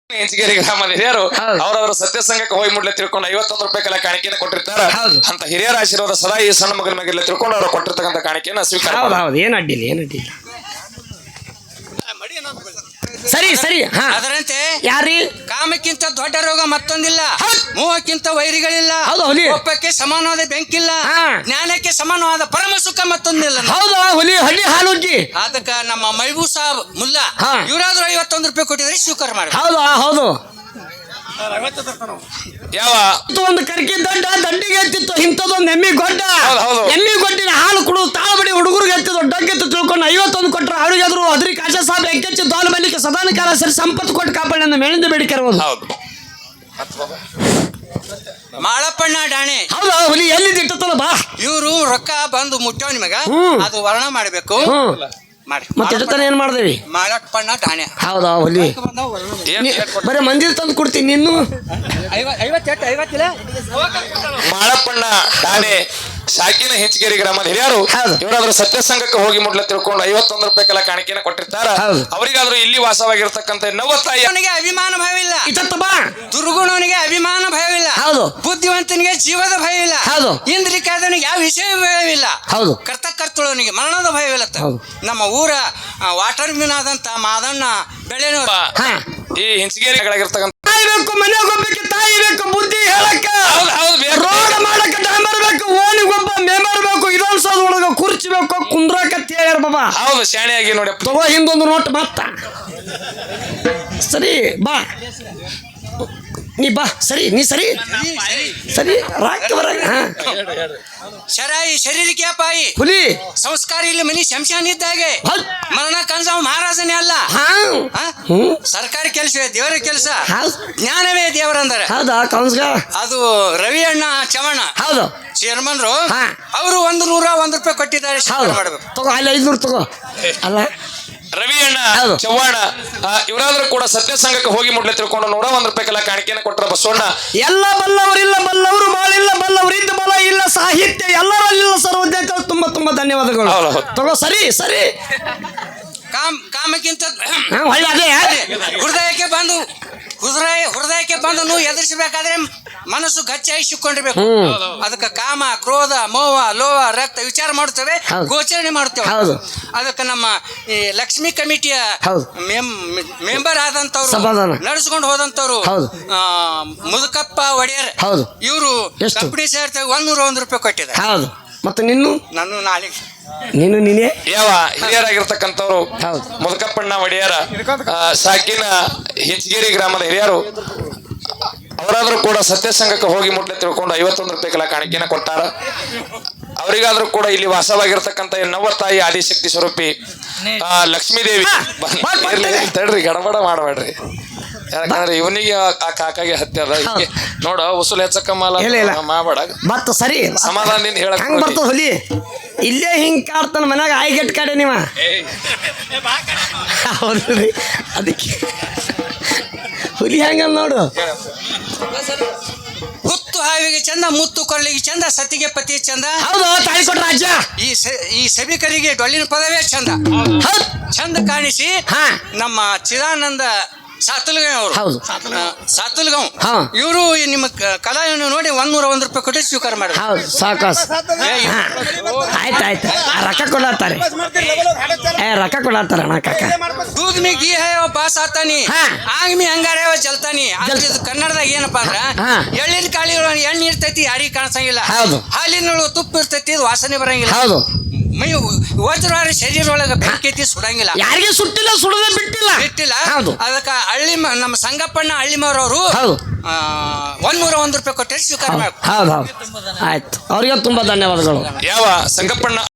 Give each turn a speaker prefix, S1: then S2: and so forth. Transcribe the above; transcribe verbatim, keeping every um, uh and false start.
S1: ಹೆಂಚಗೇರಿ ಗ್ರಾಮದ ಹಿರಿಯರು ಅವರವರ ಸತ್ಯ ಸಂಘಕ್ಕೆ ಹೋಗಿ ಮುಡ್ಲೆ ತಿಳ್ಕೊಂಡು ಐವತ್ತೊಂದು ರೂಪಾಯಿ ಕಲ ಕಾಣಿಕೆಯನ್ನು ಕೊಟ್ಟಿರ್ತಾರ. ಅಂತ ಹಿರಿಯರ ಆಶೀರ್ವಾದ ಸದಾ ಈ ಸಣ್ಣ ಮಗನ ಮೇಲೆ ತಿಳ್ಕೊಂಡು ಅವರು ಕೊಟ್ಟಿರ್ತಕ್ಕಂಥ ಕಾಣಿಕೆಯನ್ನು ಸ್ವೀಕಾರ.
S2: ಏನ್ ಅಡ್ಡಿಲ್ಲ ಏನ್ ಅಡ್ಡಿಲ್ಲ ಸರಿ ಸರಿ.
S3: ಅದರಂತೆ
S2: ಯಾರಿ
S3: ಕಾಮಕ್ಕಿಂತ ದೊಡ್ಡ ರೋಗ ಮತ್ತೊಂದಿಲ್ಲ, ಮೋಹಕ್ಕಿಂತ ವೈರಿಗಳಿಲ್ಲ, ಒಪ್ಪಕ್ಕೆ ಸಮಾನವಾದ ಬೆಂಕಿಲ್ಲ, ಜ್ಞಾನಕ್ಕೆ ಸಮಾನವಾದ ಪರಮ ಸುಖ ಮತ್ತೊಂದಿಲ್ಲ.
S2: ಹೌದು ಹುಲಿ ಹಳ್ಳಿ ಹಾಲುಜ್ಜಿ.
S3: ಅದಕ್ಕ ನಮ್ಮ ಮೈಬೂ ಸಾಬ್ ಮುಲ್ಲಾ ಇವರಾದ್ರೂ ಐವತ್ತೊಂದು ರೂಪಾಯಿ ಕೊಟ್ಟಿದ್ರೆ ಸ್ವೀಕಾರ ಮಾಡಿ.
S2: ಹೌದು ಹೌದು.
S1: ಯಾವ
S2: ಒಂದು ಕರ್ಕಿ ದೊಡ್ಡ ದಂಡಿಗೆ ಎತ್ತಿತ್ತು, ಇಂಥದೊಂದು ಎಮ್ಮಿ ಗೊಡ್ಡ ಎಮ್ಮಿ ಗೊಡ್ಡಿನ ಹಾಲು ಕುಡು ತಾಳಬಡಿ ಹುಡುಗರಿಗೆ ಎತ್ತಿದ್ದು ಡೊಗ್ಗೆತ್ತು ತಿಳ್ಕೊಂಡು ಐವತ್ತೊಂದು ಕೊಟ್ಟರು. ಅವ್ರಿಗೆ ಆದ್ರು ಅದ್ರಿ ಕಾಶ ಸಾಬ್ ಎಕ್ಕೆಚ್ಚು ದೋಲ್ ಬಲಿಕ್ಕೆ ಸದಾನ ಕಾಲ ಸರಿ ಸಂಪತ್ತು ಕೊಟ್ಟು ಕಾಪಾಡಿ ನನ್ನ ಮೇಲಿಂದ ಬೇಡಿಕೆ ಇರ್ಬೋದು.
S3: ಮಾಳಪ್ಪಣ್ಣ ಡಾಣೆ.
S2: ಹೌದು ಹುಲಿ ಎಲ್ಲಿದ್ದು ಇಟ್ಟತ್ತಲ್ಲ ಬಾ.
S3: ಇವರು ರೊಕ್ಕ ಬಂದು ಮುಟ್ಟವ್ ನಿಮಗ ಅದು ವರ್ಣ ಮಾಡ್ಬೇಕು ಮಾಡಿ.
S2: ಮತ್ತೆ ಇಟ್ಟತಾನೆ ಏನ್ ಮಾಡ್ದೇವಿ
S3: ಮಾಳಪ್ಪಣ್ಣ ಡಾಣೆ.
S2: ಹೌದಾ ಹುಲಿ ಬರೀ ಮಂದಿರ ತಂದು ಕೊಡ್ತೀನಿ ನೀನು.
S3: ಐವತ್ತೆಂಟು ಐವತ್ತಿಲ್ಲ
S1: ಮಾಳಪ್ಪಣ್ಣ ಡಾಣೆ ಶಾಕಿನ ಹೆಂಚಗೇರಿ ಗ್ರಾಮದ ಹಿರಿಯರು ಇವರಾದ್ರೂ ಸತ್ಯ ಸಂಘಕ್ಕೆ ಹೋಗಿ ಮುಡ್ಲೆ ತಿಳ್ಕೊಂಡು ಐವತ್ತೊಂದು ರೂಪಾಯಿ ಕಲ ಕಾಣಿಕೆಯನ್ನು ಕೊಟ್ಟಿರ್ತಾರ. ಅವರಿಗಾದ್ರೂ ಇಲ್ಲಿ ವಾಸವಾಗಿರ್ತಕ್ಕಂಥ ನವತಾಯಿ
S3: ಅವನಿಗೆ ಅಭಿಮಾನ ಭಯವಿಲ್ಲ,
S2: ಬಾ
S3: ದುರ್ಗುಣವನಿಗೆ ಅಭಿಮಾನ ಭಯವಿಲ್ಲ,
S2: ಹೌದು
S3: ಬುದ್ಧಿವಂತನಿಗೆ ಜೀವದ ಭಯವಿಲ್ಲ,
S2: ಹೌದು
S3: ಇಂದ್ರಿಕಾದವನಿಗೆ ಯಾವ ವಿಷಯ ಭಯವಿಲ್ಲ,
S2: ಹೌದು
S3: ಕರ್ತಕರ್ತುಳವನಿಗೆ ಮರಣದ ಭಯವಿಲ್ಲ. ನಮ್ಮ ಊರ ವಾಟರ್ ಮಿನ್ ಆದಂತ ಮಾದಣ್ಣ ಬೆಳೆನೂರ
S1: ಈ ಹೆಂಚಗೇರಿಗಳಾಗಿರ್ತಕ್ಕಂಥ
S2: ತಾಯಿ ಬೇಕು, ಮನೆಗೆ ಹೋಗ್ಬೇಕು, ತಾಯಿ ಬೇಕು, ಬುದ್ಧಿ ಹೇಳಕ್ಕ ರೋಗ ಮಾಡಕ್ಕ ಡಾಂಬರ್ ಬೇಕು, ಓಣಿಗೊಬ್ಬ ಮೆಂಬರ್ ಬೇಕು, ಇದೊಂದ್ಸೋದ್ ಒಳಗ ಕುರ್ಚಿ ಬೇಕು, ಕುಂದ್ರಕತ್ತಿ ಹೇಳ್ಯಾರ ಬಾಬಾ.
S1: ಹೌದು ಶಾಣೆಯಾಗಿ ನೋಡಿ
S2: ತಗೋ ಹಿಂದೊಂದು ನೋಟ್ ಮತ್ತ ಸರಿ ಬಾ ನೀ ಬಾ ಸರಿ ನೀ ಸರಿ ಸರಿ ರಾಕ್ ಬರ.
S3: ಶರಾಯಿ ಶರೀರಕ್ಕೆ ಅಪಾಯಿ,
S2: ಹುಲಿ
S3: ಸಂಸ್ಕಾರ ಇಲ್ಲಿ ಮನಿ ಶಂಶಾನ ಇದ್ದಾಗೆ, ಮರಣ ಕಂಜಾವ್ ಮಹಾರಾಜನೇ ಅಲ್ಲ. ಸರ್ಕಾರಿ ಕೆಲಸವೇ ದೇವರ ಕೆಲಸ, ಜ್ಞಾನವೇ ದೇವರಂದರೆ.
S2: ಹೌದಾ ಕೌನ್ಸ್ಗ
S3: ಅದು ರವಿ ಅಣ್ಣ ಚವಣ್ಣ
S2: ಹೌದು
S3: ಚೇರ್ಮನ್ರು ಅವರು ಒಂದು ನೂರ ಒಂದು ರೂಪಾಯಿ ಕೊಟ್ಟಿದ್ದಾರೆ. ಮಾಡಬೇಕು
S2: ತಗೋ ಅಲ್ಲಿ ಐದ್ನೂರು ತಗೋ. ಅಲ್ಲ
S1: ರವಿ ಅಣ್ಣ ಚವ್ವಾಣ ಇವರಾದ್ರೂ ಕೂಡ ಸತ್ಯ ಸಂಘಕ್ಕೆ ಹೋಗಿ ಮುಡ್ಲೆ ತಿಳ್ಕೊಂಡು ನೂರ ಒಂದ್ ರೂಪಾಯಿ ಕಲ ಕಾಣಿಕೆಯನ್ನು ಕೊಟ್ಟರ ಬಸವಣ್ಣ.
S2: ಎಲ್ಲ ಬಲ್ಲವರಿಲ್ಲ, ಬಲ್ಲವರು ಬಾಳಿಲ್ಲ, ಬಲ್ಲವರಿದ್ದ ಬಲ ಇಲ್ಲ, ಸಾಹಿತ್ಯ ಎಲ್ಲರಲ್ಲಿಲ್ಲ ಸರ್ವಜ್ಞ. ತುಂಬಾ ತುಂಬಾ ಧನ್ಯವಾದಗಳು. ತಗೋ ಸರಿ ಸರಿ.
S3: ಕಾಮ್ ಕಾಮಕ್ಕಿಂತ ಹೃದಯಕ್ಕೆ ಬಂದು ಹೃದಯ ಹೃದಯಕ್ಕೆ ಬಂದು ನೀವು ಎದುರಿಸಬೇಕಾದ್ರೆ ಮನಸ್ಸು ಗಚ್ಚಾಗಿ ಸಿಕ್ಕೊಂಡಿರ್ಬೇಕು. ಅದಕ್ಕೆ ಕಾಮ ಕ್ರೋಧ ಮೋಹ ಲೋಹ ರಕ್ತ ವಿಚಾರ ಮಾಡ್ತೇವೆ, ಗೋಚರಣೆ ಮಾಡ್ತೇವೆ. ಅದಕ್ಕೆ ನಮ್ಮ ಈ ಲಕ್ಷ್ಮಿ ಕಮಿಟಿಯ ಮೆಂಬರ್ ಆದಂತವ್ರು ನಡೆಸ್ಕೊಂಡು ಹೋದಂತವ್ರು ಮುದುಕಪ್ಪ ಒಡೆಯರ್ ಇವರು ಕಂಪನಿ ಸೇರ್ತೇವೆ ಒಂದೂರ ಒಂದು ರೂಪಾಯಿ ಕೊಟ್ಟಿದ್ದಾರೆ.
S2: ಹೌದು ಮತ್ತೆ ನಿನ್ನು
S3: ನಾನು ನಾಳೆ
S2: ನೀನು ನೀನೇ
S1: ಯಾವ ಹಿರಿಯರಾಗಿರ್ತಕ್ಕಂಥವ್ರು ಮುದುಕಪ್ಪಣ್ಣ ಒಡೆಯರ ಸಾಕಿನ ಹೆಂಚಗೇರಿ ಗ್ರಾಮದ ಹಿರಿಯರು ಅವರಾದ್ರೂ ಕೂಡ ಸತ್ಯ ಸಂಘಕ್ಕೆ ಹೋಗಿ ಮುಟ್ಲೆ ತಿಳ್ಕೊಂಡು ಐವತ್ತೊಂದು ರೂಪಾಯಿ ಕಲ ಕಾಣಿಕೆಯನ್ನು ಕೊಟ್ಟಾರ. ಅವರಿಗಾದ್ರೂ ಕೂಡ ಇಲ್ಲಿ ವಾಸವಾಗಿರ್ತಕ್ಕಂಥ ನವತಾಯಿ ಆದಿಶಕ್ತಿ ಸ್ವರೂಪಿ ಲಕ್ಷ್ಮೀದೇವಿ ತಡ್ರಿ ಗಡಬಡ ಮಾಡಬೇಡ್ರಿ, ಯಾಕಂದ್ರೆ ಇವನಿಗೆ ಆ ಕಾಕಾಗೆ ಹತ್ಯೆ ಅದ. ನೋಡ ಉಸುಲ್ ಹೆಚ್ಚಕ್ಕಮ್ಮಲ್ಲ ಮಾಡಬೇಡ
S2: ಮತ್ತ ಸರಿ
S1: ಸಮಾಧಾನದಿಂದ ಹೇಳಕ್
S2: ಹೆಂಗ್ ಬರ್ತದ ಹುಲಿ. ಇಲ್ಲೇ ಹಿಂಗ್ ಕಾಡ್ತಾನ ಮನ್ಯಾಗ ಆಯ್ಗೆಟ್ ಕಾಡೆ ನೀವ. ಹೌದ್ರಿ ಅದಕ್ಕೆ ಹುಲಿ ಹೆಂಗ ನೋಡು.
S3: ಹುತ್ತು ಹಾವಿಗೆ ಚಂದ, ಮುತ್ತು ಕೊರಳಿಗೆ ಚಂದ, ಸತಿಗೆ ಪತಿ ಚಂದ.
S2: ಹೌದು ತಾಯಿ ಕೊಟ್ಟ ರಾಜ್ಯ.
S3: ಈ ಈ ಸಭಿಕರಿಗೆ ಡೊಳ್ಳಿನ ಪದವೇ ಚಂದ. ಚಂದ ಕಾಣಿಸಿ ನಮ್ಮ ಚಿದಾನಂದ ಸಾತುಲ್ಗಾಂವ್ ಅವರು ಸಾತುಲ್ಗಾಂವ್ ಇವರು ನಿಮ್ಮ ಕಲಾವಿಯನ್ನು ನೋಡಿ ಒಂದೂರ ಒಂದು ರೂಪಾಯಿ ಕೊಟ್ಟು ಸ್ವೀಕಾರ ಮಾಡಿ.
S2: ಹೌದು ಸಾಕಾಸ್ ಆಯ್ತು ಆಯ್ತು ರೊಕ್ಕ ಕೊಡಾಡ್ತಾರೆ, ಏ ರೊಕ್ಕ ಕೊಡಾಡ್ತಾರ ಅಣ್ಣ ಕಾಕ.
S3: ದೂದ್ ಮಿ ಗೀ ಹೇ ಪಾಸ್ ಆತಾನಿ, ಆಗ್ ಮಿ ಹಂಗಾರೆ ಜಲ್ತಾನಿ. ಕನ್ನಡದಾಗ ಏನಪ್ಪಾ ಅಂದ್ರ ಎಳ್ಳಿನ ಕಾಳಿ ಎಣ್ಣೆ ಇರ್ತೈತಿ ಯಾರಿಗೆ ಕಾಣಿಸಂಗಿಲ್ಲ, ಹಾಲಿನೊಳಗೆ ತುಪ್ಪ ಇರ್ತೈತಿ ವಾಸನೆ ಬರಂಗಿಲ್ಲ,
S2: ಹೌದು
S3: ಮೈ ವಜ್ರವಾರ ಶರೀರ ಒಳಗ ಬೆಂಕಿ ಸುಡಂಗಿಲ್ಲ,
S2: ಯಾರಿಗೆ ಸುಟ್ಟಿಲ್ಲ ಸುಡದ ಬಿಟ್ಟಿಲ್ಲ
S3: ಬಿಟ್ಟಿಲ್ಲ. ಅದಕ್ಕ ಹಳ್ಳಿ ನಮ್ಮ ಸಂಗಪ್ಪಣ್ಣ ಹಳ್ಳಿಮರವರು ಒಂದೂರ ಒಂದು ರೂಪಾಯಿ ಕೊಟ್ಟರೆ ಸ್ವೀಕಾರ ಮಾಡಿ.
S2: ಹೌದು ಹೌದು ಆಯ್ತು ಅವ್ರಿಗೆ ತುಂಬಾ ಧನ್ಯವಾದಗಳು.
S1: ಯಾವ ಸಂಗಪ್ಪಣ್ಣ